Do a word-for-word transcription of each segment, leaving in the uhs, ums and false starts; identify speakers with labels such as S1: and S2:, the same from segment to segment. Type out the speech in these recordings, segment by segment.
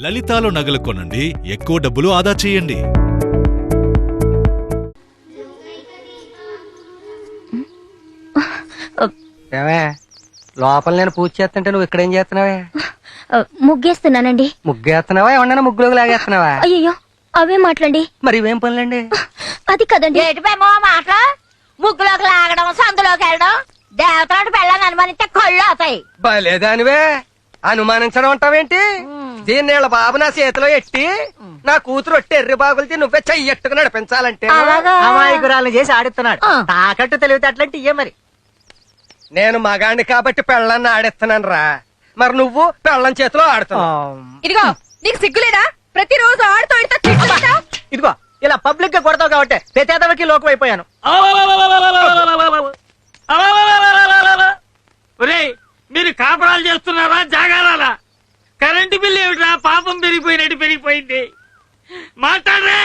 S1: లలితాలో నగలు కొనండి, ఎక్కువ డబ్బులు ఆదా చేయండి.
S2: లోపల నేను పూజ చేస్తుంటే నువ్వు ఇక్కడేం చేస్తున్నావే?
S3: ముగ్గేస్తున్నానండి.
S2: ముగ్గేస్తున్నావా? ఏమన్నా ముగ్గులోకి లాగేస్తున్నావా?
S3: అయ్యో అవే మాట్లాడండి.
S2: మరి ఇవేం పనులండి?
S3: అది కదండి.
S4: మాట ముగ్గులోకి లాగడం, సందులోకి వెళ్ళడం, దేవతలాంటి పెళ్ళని అనుమానిస్తే కళ్ళు అవుతాయి.
S2: బలేదానివే, అనుమానించడం అంటావేంటి? దీన్ని వీళ్ళ బాబు నా చేతిలో ఎట్టి నా కూతురు ఒట్టి ఎర్రి బాగులతో నువ్వే చెయ్యట్టుకు నడిపించాలంటే
S5: అమాయకురాలను చేసి ఆడిస్తున్నాడు. తాకట్టు తెలివితే అట్లాంటి ఇయ్యే. మరి
S2: నేను మగాండి కాబట్టి పెళ్ళాన్ని ఆడిస్తున్నాను రా, మరి నువ్వు పెళ్ళం చేతిలో ఆడుతున్నావు.
S4: ఇదిగో నీకు సిగ్గులేదా? ప్రతిరోజు ఆడుతూ
S5: ఇదిగో ఇలా పబ్లిక్ గా కొడతావు కాబట్టి ప్రతేదవకి లోకం అయిపోయాను.
S6: మీరు కాపురాలు చేస్తున్నారా జాగారాలా? కరెంటు బిల్లు ఏమిట్రా పాపం పెరిగిపోయినట్టు పెరిగిపోయింది. మాట్లాడరే.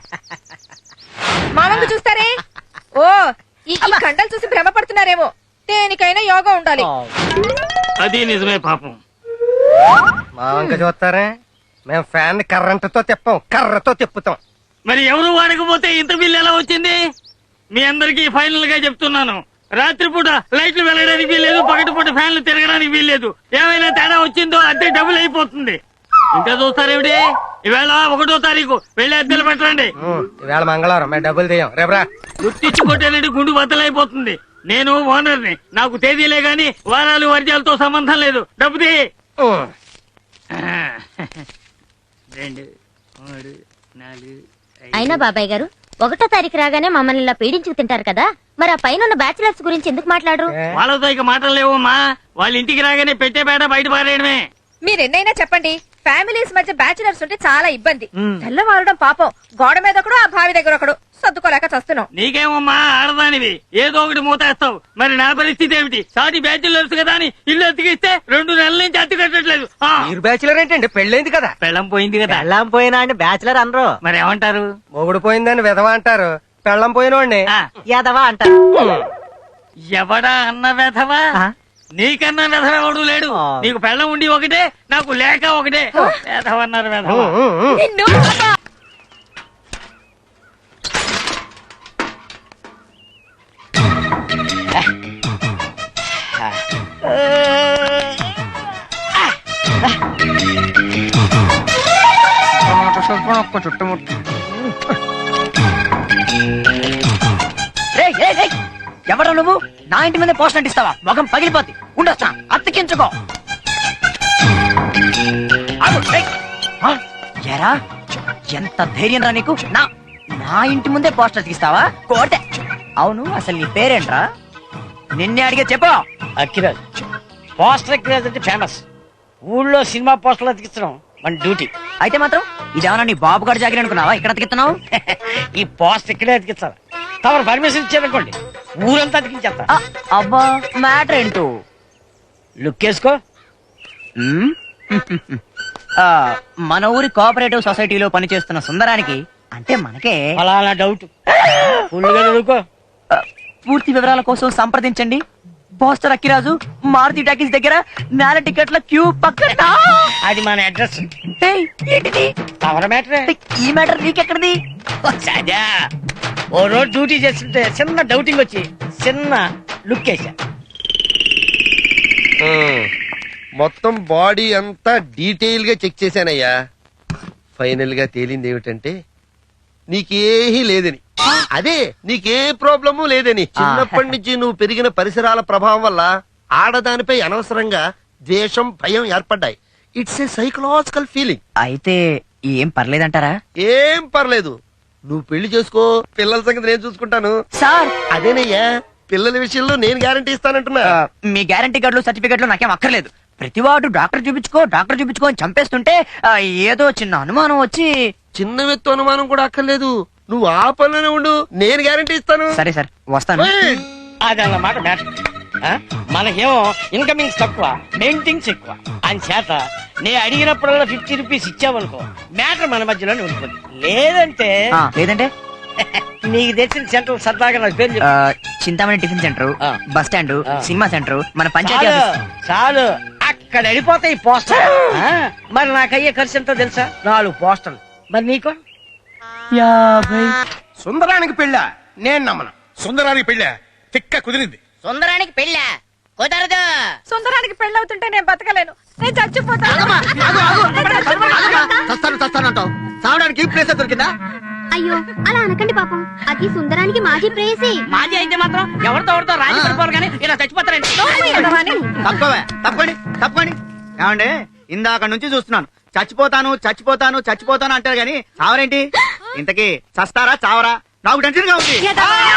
S4: మామూలు చూస్తారే. ఓ ఈ కండలు చూసి భ్రమపడుతున్నారేమో. దేనికైనా యోగా ఉండాలి.
S6: అది నిజమే పాపం.
S2: మా వంక చూస్తారే, మేము ఫ్యాన్ కర్రంటతో తిప్పాం, కర్రతో తిప్పుతాం.
S6: మరి ఎవరు వాడకపోతే ఇంత బిల్లు ఎలా వచ్చింది? మీ అందరికీ ఫైనల్ గా చెప్తున్నాను, రాత్రిపూట లైట్లు వెళ్ళడానికి వీల్లేదు, పగటిపూట ఫ్యాన్లు తిరగడానికి వీల్లేదు. ఏమైనా తేడా వచ్చిందో అద్దె డబుల్ అయిపోతుంది. ఇంకా చూస్తారేమిటి? ఈవేళ ఒకటో తారీఖు వెళ్ళి అద్దెలు పెట్టండి.
S2: ఈవేళ మంగళవారం మేము డబ్బులు తీయం, రేపరా.
S6: గుర్తించుకోవటానికి గుండు బద్దలైపోతుంది. నేను ఓనర్ని, నాకు తేదీలే గాని వారాలు వర్జాలతో సంబంధం లేదు. డబ్బు తీ. రెండు మూడు నాలుగు.
S3: అయినా బాబాయ్ గారు ఒకటో తారీఖు రాగానే మమ్మల్ని ఇలా పీడించుకు తింటారు కదా, మరి ఆ పైన ఉన్న బ్యాచిలర్స్ గురించి ఎందుకు మాట్లాడరు?
S6: వాళ్ళతో ఇక మాటలు లేవమ్మా. వాళ్ళ ఇంటికి రాగానే పెట్టే బేట బయట పారేయడమే.
S4: మీరు ఎన్నైనా చెప్పండి, ఫ్యామిలీస్ మధ్య బ్యాచులర్స్ ఉంటే చాలా ఇబ్బంది. తెల్లవారడం పాపం, గోడ మీద ఒకడు, ఆ బావి దగ్గర ఒకడు, సర్దుకోలేక చస్తున్నాం.
S6: నీకేమమ్మా ఆడదానివి, ఏదో ఒకటి మూతేస్తావు. మరి నా పరిస్థితి ఏమిటి? సాటి బ్యాచులర్స్ కదా అని ఇల్లు అతికిస్తే రెండు నెలల నుంచి అతి కట్టట్లేదు.
S2: మీరు బ్యాచులర్ ఏంటండి? పెళ్ళైంది కదా.
S6: పెళ్ళం పోయింది కదా.
S5: పెళ్ళం పోయినా అండి బ్యాచులర్ అనరు.
S6: మరి ఏమంటారు?
S2: మొగుడు పోయిందని విధవ అంటారు, పెళ్ళం పోయినోడిని
S5: యాదవా అంటారు.
S6: ఎవడా అన్న వెధవా? నీకన్నా వెధవ ఎవడు లేడు. నీకు పెళ్ళం ఉండి ఒకటే, నాకు లేక ఒకటే. వెధవన్నారు వెధవ.
S5: ఎవరు నువ్వు? నా ఇంటి మీద పోస్ట్ అంటిస్తావా? మొఖం పగిలిపోద్ది. ఉండొస్తా, అతికించుకో. ఎరా ఎంత ధైర్యం రా నీకు? నా నా ఇంటి ముందే పోస్టర్ అతికిస్తావా? కోటే. అవును, అసలు నీ పేరేంట్రా? నిన్నే అడిగే చెప్పు.
S6: అక్కిరాజ్. పోస్టర్ అక్కిరాజ్ అంటే ఫేమస్. ఊళ్ళో సినిమా పోస్టర్లు అతికించడం మన డ్యూటీ.
S5: అయితే మాత్రం ఇదేమన్నా నీ బాబు గారు జాగిరి అనుకున్నావా? ఇక్కడ అతికిస్తున్నావు?
S6: ఈ పోస్టర్ ఇక్కడే అతికించాలి. తమరు పర్మిషన్ ఇచ్చారనుకోండి, ఊరంతా అతికించేస్తా.
S5: అబ్బా, మ్యాటర్ ఏంటో
S6: లుక్ వేసుకో.
S5: మన ఊరి కోఆపరేటివ్ సొసైటీలో పనిచేస్తున్న సుందరానికి, అంటే మనకే
S6: అలా డౌట్. ఫుల్గా చదువుకో.
S5: పూర్తి వివరాల కోసం సంప్రదించండి పోస్టర్ అక్కిరాజు, మారుతి టాకీస్ దగ్గర, నేల టికెట్ల క్యూ పక్కన.
S6: అది మన అడ్రస్.
S5: ఏంటిది?
S6: తమర మ్యాటరే.
S5: ఈ మ్యాటర్ నీకెక్కడిది?
S6: సదా ఓ రోజు డ్యూటీ చేస్తుంటే చిన్న డౌటింగ్ వచ్చి చిన్న లుక్ వేసా.
S7: మొత్తం బాడీ అంతా డీటెయిల్ గా చెక్ చేశానయ్యా. ఫైనల్ గా తేలింది ఏమిటంటే నీకేహీ లేదని. అదే నీకే ప్రాబ్లము లేదని. చిన్నప్పటి నుంచి నువ్వు పెరిగిన పరిసరాల ప్రభావం వల్ల ఆడదానిపై అనవసరంగా ద్వేషం, భయం ఏర్పడ్డాయి. It's a psychological feeling.
S5: అయితే ఏం పర్లేదంటారా?
S7: ఏం పర్లేదు, నువ్వు పెళ్లి చేసుకో, పిల్లల సంగతి నేను చూసుకుంటాను.
S5: సార్
S7: అదేనయ్యా, పిల్లల విషయంలో నేను గ్యారంటీ ఇస్తానంటున్నా.
S5: మీ గ్యారంటీ కార్డులు, సర్టిఫికెట్లు నాకేం అక్కర్లేదు. ప్రతివాడు డాక్టర్ చూపించుకో డాక్టర్ చూపించుకో అని చంపేస్తుంటే ఏదో చిన్న అనుమానం వచ్చి.
S7: చిన్న వ్యక్తి అనుమానం కూడా అక్కర్లేదు, నువ్వు ఆ పనిలోనే ఉండు, నేను గ్యారంటీ ఇస్తాను.
S5: సరే సార్, వస్తాను.
S6: అదన్నమాట మ్యాటర్. మనకేమో ఇన్కమింగ్స్ తక్కువ, మెయింటింగ్స్ ఎక్కువ. అని చేత నేను అడిగినప్పుడల్లా ఫిఫ్టీ రూపీస్ ఇచ్చావనుకో, మ్యాటర్ మన మధ్యలోనే ఉంటుంది. లేదంటే
S5: లేదంటే
S6: నీకు తెలిసిన సెంటర్ సరదాగా నాకు పేరు చెప్పు.
S5: చింతామణి టిఫిన్ సెంటర్,
S6: ఆ.
S5: బస్ స్టాండ్,
S6: ఆ.
S5: సినిమా సెంటర్, మన పంచాయతీ
S6: చాలు
S5: ఆఫీస్.
S6: చాలు
S5: అక్కడ వెళ్ళిపోతాయి పోస్టర్ మరి నాకయ్యే ఖర్చు ఎంతో తెలుసా నాలుగు పోస్టర్లు మరి నీకు యాభై
S2: సుందరానికి పెళ్ళ నేను నమ్మను.
S8: సుందరానికి పెళ్ళ తిక్క కుదిరింది.
S5: సుందరానికి పెళ్ళా కుదరదు
S4: సుందరానికి పెళ్ళవుతుంటే నేను బతకలేను, నేను చచ్చిపోతాను.
S2: చస్తాను చస్తానంటావు, చావడానికి ఈ ప్లేస్ దొరికిందా?
S3: అయ్యో అలా అనకండి పాపం, అది సుందరానికి మాజీ ప్రేయసి.
S5: మాజీ అయితే మాత్రం ఎవరితో ఎవరితో రాజీ పడిపోరు కానీ ఇలా చచ్చిపోతారండి.
S2: తప్పవే తప్పండి తప్పండి. ఏమండి ఇందాక నుంచి చూస్తున్నాను, చచ్చిపోతాను చచ్చిపోతాను చచ్చిపోతాను అంటారు గాని చావరేంటి? ఇంతకీ చస్తారా చావరా? నాకు టెన్షన్ గా ఉంది.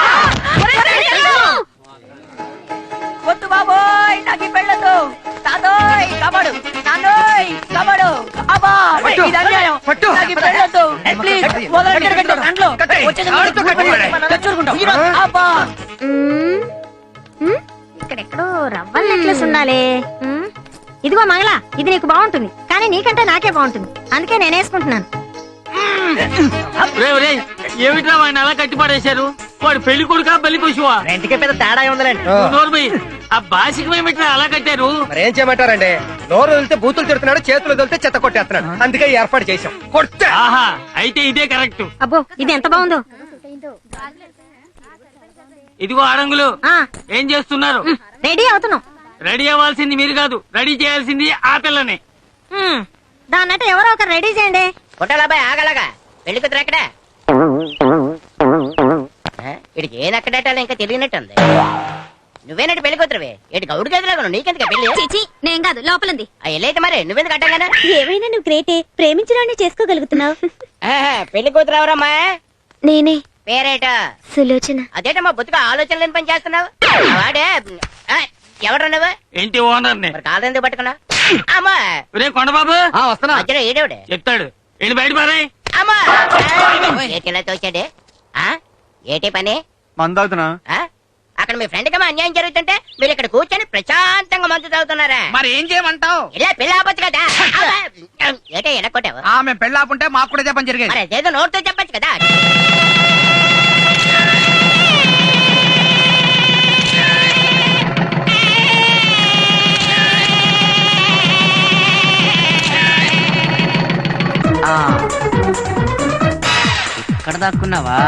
S5: వద్దు బాబోయ్ నాకు ఈ పెళ్ళదు. తాతోయ్ కబడు, నాన్నోయ్ కబడు. అబ్బా
S2: పట్టు,
S5: ఇది అన్యాయం.
S2: పట్టు.
S5: నాకు ఈ పెళ్ళొద్దు. ప్లీజ్ వదలండి, కట్టు, దాంట్లో. వచ్చేది
S2: ఆడుతూ కట్టండి.
S5: తెచ్చుకుంటాం. అబ్బా
S3: మ్మ్. మ్మ్? ఇక్కడెక్కడో రవ్వల నెక్లెస్ ఉండాలి. మ్మ్. ఇదిగో మంగళ, ఇది నీకు బాగుంటుంది కానీ నీకంటే నాకే బాగుంటుంది, అందుకే నేను వేసుకుంటున్నాను.
S6: రే రే ఏమిట్రా వాడిని అలా కట్టి పడేశారు? వాడు పెళ్లి కొడుకా బలి పశువా?
S5: రెంటికే పెద్ద తేడా ఉందండి.
S6: నోర్మై ఆ బాసికం ఏమిట్రా అలా కట్టారు?
S2: మరి ఏం చేయమంటారండి? నోరు వదిలితే బూతులు తిడుతున్నాడు, చేతులు వదిలితే చెత్త కొట్టేస్తున్నాడు, అందుకే ఈ ఏర్పాటు చేశాం. కొట్టా
S6: ఆహా అయితే ఇదే కరెక్ట్.
S3: అబ్బో ఇది ఎంత బాగుందో.
S6: ఇదిగో ఆడంగులు
S3: ఆ
S6: ఏం చేస్తున్నారు?
S3: మ్మ్. రెడీ అవుతున్నాం.
S6: రెడీ అవ్వాల్సింది మీరు కాదు, రెడీ చేయాల్సింది ఆ పిల్లని.
S3: మ్మ్. దాన్నట్టు ఎవరో ఒకరు రెడీ చేయండి.
S5: కొట్టాలాబాయ్ ఆగలాగా పెళ్లి కుదిరి ఎక్కడ ఇడికి ఏది అక్కడేటాలో ఇంకా తెలియనట్టుంది. నువ్వేనట్టు పెళ్లి కూతురువే ఇటు గౌడు గదిలాగా నీకెందుకు పెళ్లి?
S3: చిచి నేను కాదు, లోపలంది.
S5: ఆ ఎల్లైతే మరి నువ్వెందుకు అట్టగానే
S3: ఏమైనా నువ్వు గ్రేటే, ప్రేమించడాన్ని చేసుకోగలుగుతున్నావు.
S5: పెళ్లి కూతురు ఎవరమ్మా?
S3: నేనే
S5: పేరేట
S3: సులోచన.
S5: అదేటమ్మా బొత్తుగా ఆలోచన లేని పని చేస్తున్నావు. వాడే ఎవరు నువ్వు?
S6: ఏంటి ఓనర్ ని
S5: మరి కాదెందుకు పట్టుకున్నా? అమ్మా
S6: రే కొండబాబు
S2: వస్తున్నా.
S5: మధ్యలో ఏడేవిడే
S6: చెప్తాడు వెళ్ళి బయట పారే.
S5: అమ్మా ఏటిలా తోచాడే? ఆ ఏటి పని?
S2: మందాగుతున్నా.
S5: ఆ? అక్కడ మీ ఫ్రెండ్ కమ్మా అన్యాయం జరుగుతుంటే మీరు ఇక్కడ కూర్చొని ప్రశాంతంగా మందు తాగుతున్నారా?
S2: మరి ఏం చేయమంటావు?
S5: ఇలా పెళ్లి ఆపచ్చు కదా. ఏటే ఎనక్కొట్టావు?
S2: ఆమె పెళ్ళాపుంటే మాకు కూడా చెప్పని జరిగేది.
S5: మరి అదేదో నోటితో చెప్పచ్చు కదా. ఇక్కడ దాక్కున్నావా?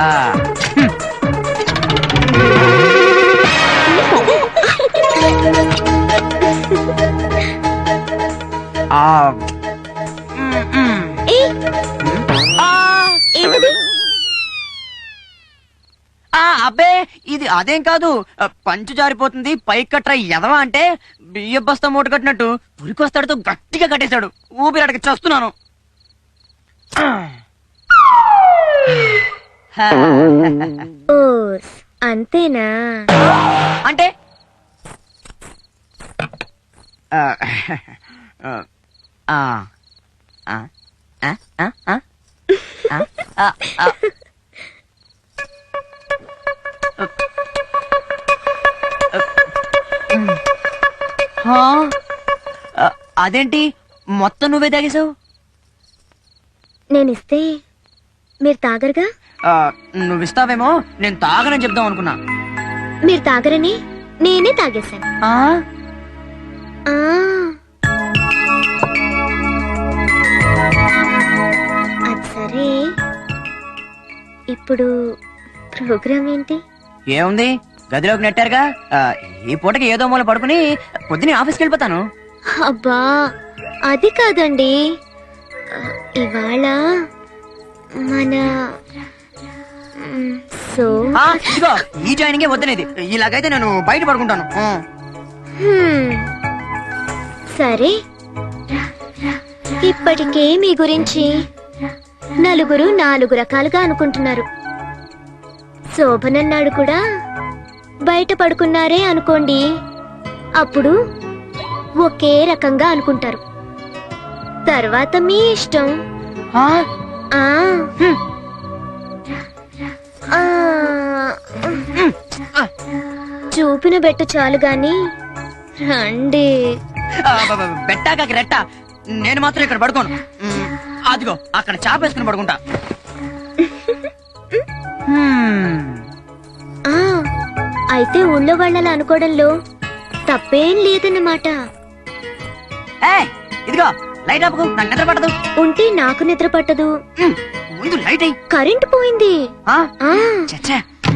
S9: అబ్బే ఇది అదేం కాదు, పంచు జారిపోతుంది పైకి కట్రా ఎదవా అంటే బియ్య బస్తా మూట కట్టినట్టు పురికొస్తాడుతో గట్టిగా కట్టేశాడు. ఊపిరాటకి చస్తున్నాను.
S3: ఓస్ అంతేనా?
S9: అంటే ఆ, ఆ, ఆ, ఆ, ఆ, ఆ, ఆ, ఆ. హా? ఆ, అదేంటి మొత్తం నువ్వే తాగేశావు?
S3: నేనిస్తే మీరు తాగరుగా?
S9: ఆ, నువ్విస్తావేమో నేను తాగనని చెప్దాం అనుకున్నా.
S3: మీరు తాగరని నేనే తాగేశాను.
S9: ఆ?
S3: ఆ. అది సరే, ఇప్పుడు ప్రోగ్రామ్ ఏంటి?
S9: ఏముంది గదిలోకి నెట్టారుగా. ఆ, ఈ పూటకి ఏదో మూల పడుకుని పొద్దునే ఆఫీస్కి వెళ్ళిపోతాను.
S3: అబ్బా అది కాదండి, ఇవాళ మన మ్, సో
S9: ఆ, ఇదిగో ఈ జాయినింగే వద్దనేది. ఇలాగైతే నేను బయట పడుకుంటాను. ఆ.
S3: హ్మ్. సరే, ఇప్పటికే మీ గురించి నలుగురు నాలుగు రకాలుగా అనుకుంటున్నారు. శోభనన్నాడు కూడా బయట పడుకున్నారే అనుకోండి, అప్పుడు ఒకే రకంగా అనుకుంటారు. తర్వాత మీ ఇష్టం.
S9: ఆ?
S3: ఆ
S9: హ్మ్.
S3: ఆ, చూపిన బెట్టు చాలు గాని రండి.
S9: ఆ, బ- బ- బెట్టాకాకి రెట్ట. నేను మాత్రం ఇక్కడ పడుకోను. మ్, అదిగో అక్కడ చాపేసుకుని పడుకుంటా. హ్మ్.
S3: ఆ అయితే ఊళ్ళో వాళ్ళలా అనుకోవడంలో తప్పేం లేదన్నమాట.
S9: ఏయ్, ఇదిగో లైట్ ఆపుకు, నాకు నిద్ర పట్టదు.
S3: ఉంటే నాకు నిద్ర పట్టదు.
S9: హ్మ్, ముందు లైట్ అయ్యి.
S3: కరెంటు పోయింది. ఆ
S9: చచ్చా.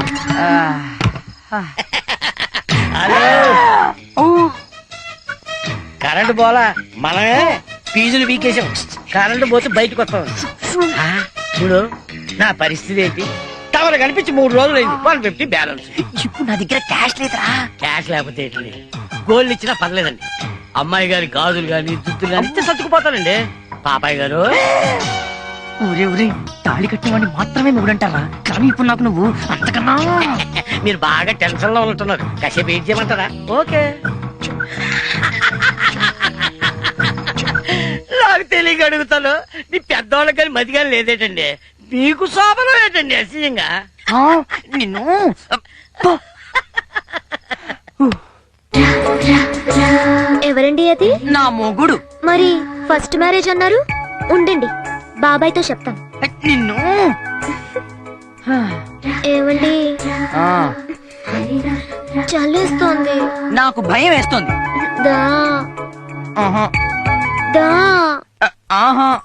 S6: కరెంటు పోలా, మనమే ఫీజులు వీకేసాం. కరెంటు పోతే బయటకు వస్తాం. ఆ, చూడు నా పరిస్థితి ఏంటి. టవర్ కనిపించి మూడు రోజులు అయింది. One fifty balance.
S9: ఇప్పుడు నా దగ్గర క్యాష్ లేదురా.
S6: క్యాష్ లేకపోతే ఏంటి, గోల్డ్ ఇచ్చినా పర్లేదండి. అమ్మాయి గారి గాజులు గాని దుద్దులు గాని ఇస్తే సర్దుకుపోతానండి. పాపాయ్ గారు,
S9: ఊరే ఊరే తాళి కట్టినవాడిని మాత్రమే మొగుడంటారా, కానీ ఇప్పుడు నాకు నువ్వు అంతకన్నా.
S6: మీరు బాగా టెన్షన్ లో ఉంటున్నారు. కాసేపు ఏం చేయమంటారా? ఓకే. నాకు తెలియక అడుగుతాను. మీ పెద్దవాళ్ళకి కానీ మతి కానీ లేదేటండి. మీకు శోభనం ఏంటండి అసహ్యంగా?
S9: ఆ, నిన్ను
S3: ఎవరండి అది?
S9: నా మొగుడు.
S3: మరి ఫస్ట్ మ్యారేజ్ అన్నారు. ఉండండి, బాబాయ్తో చెప్తాను.
S9: నిన్ను
S3: ఏమండి,
S9: ఆ,
S3: చల్లేస్తోంది.
S9: నాకు భయం వేస్తుంది.
S3: దా
S9: ఆహా
S3: దా
S9: ఆహా